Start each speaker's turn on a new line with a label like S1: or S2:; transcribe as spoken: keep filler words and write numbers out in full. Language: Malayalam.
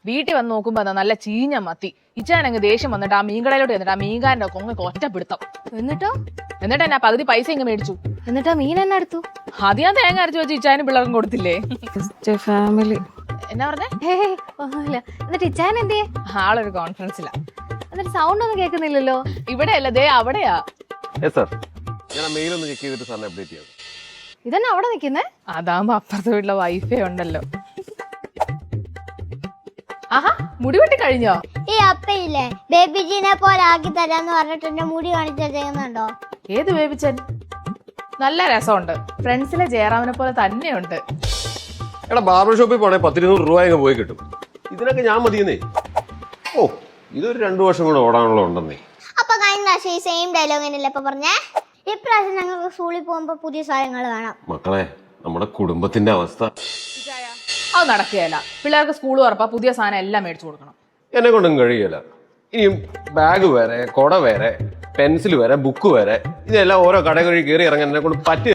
S1: വീട്ടിൽ വന്ന് നോക്കുമ്പോ എന്താ നല്ല ചീഞ്ഞ മത്തി. ഇച്ചാനങ്ങ് ദേഷ്യം വന്നിട്ട് ആ മീൻകടയിലോട്ട് വന്നിട്ട് ആ മീൻകാരന്റെ കൊങ്ങക്ക് ഒറ്റപ്പിടുത്തം.
S2: എന്നിട്ടോ
S1: എന്നിട്ട് എന്നാ പകുതി പൈസ ഇങ്ങ് മേടിച്ചു.
S2: എന്നിട്ടാ മീൻ എന്നെ എടുത്തു.
S1: അത് ഞാൻ തേങ്ങ അരച്ചു വെച്ച് ഇച്ചാനും പിള്ളേർക്കും കൊടുത്തില്ലേ.
S2: ഫാമിലി
S1: എന്നാ പറഞ്ഞേ?
S2: ഒന്നുമില്ല. എന്നിട്ട് ഇച്ചാൻ എന്തേ?
S1: ആളൊരു കോൺഫറൻസിലാ.
S2: എന്നിട്ട് സൗണ്ട് ഒന്നും കേൾക്കുന്നില്ലല്ലോ.
S1: ഇവിടെ അല്ല, ദേ അവിടെയാ.
S2: ഇതന്നെ അവിടെ നിക്കുന്നേ.
S1: അതാകുമ്പോ അപ്പുറത്തെ വീട്ടിലെ വൈഫൈ ഉണ്ടല്ലോ. ആഹാ, മുടി വെട്ടി കഴിഞ്ഞോ?
S3: ഈ അപ്പയില്ലേ ബേബിജിനെ പോലെ ആക്കി തരാന്ന് പറഞ്ഞിട്ട് എന്റെ മുടി കാണിച്ചാ ചെയ്യുന്നുണ്ടോ?
S1: ഏത് ബേബിച്ചൻ? നല്ല രസമുണ്ട്. ഫ്രണ്ട്സിലെ ജയറാമിനെ പോലെ തന്നെയുണ്ട്.
S4: എടാ ബാർബർ ഷോപ്പിൽ പോണേ പത്തിരുന്നൂറ് രൂപ അങ്ങ് പോയി കിട്ടും. ഇതിനൊക്കെ ഞാൻ മതിയെന്നേ. ഓ, ഇതൊരു രണ്ടു വർഷം കൂടെ ഓടാനുള്ള ഉണ്ടെന്നേ.
S3: അപ്പൊ കഴിഞ്ഞ പ്രാവശ്യം ഈ സെയിം ഡയലോഗ് തന്നെയല്ലേ ഇപ്പൊ പറഞ്ഞേ? ഇപ്രാവശ്യം ഞങ്ങൾക്ക് സ്കൂളിൽ പോകുമ്പോ പുതിയ സാധനങ്ങൾ വേണം.
S4: മക്കളെ, നമ്മുടെ കുടുംബത്തിന്റെ അവസ്ഥ
S1: അത് നടക്കുകയല്ല. പിള്ളേർക്ക് സ്കൂൾ തുറപ്പാ പുതിയ സാധനം എല്ലാം മേടിച്ചു കൊടുക്കണം.
S4: എന്നെ കൊണ്ടും കഴിയില്ല. ഇനിയും ബാഗ് വേറെ, കൊട വേറെ, പെൻസിൽ വേറെ, ബുക്ക് വേറെ, ഇതെല്ലാം ഓരോ കടകളിൽ കയറി ഇറങ്ങാൻ എന്നെ കൊണ്ട് പറ്റി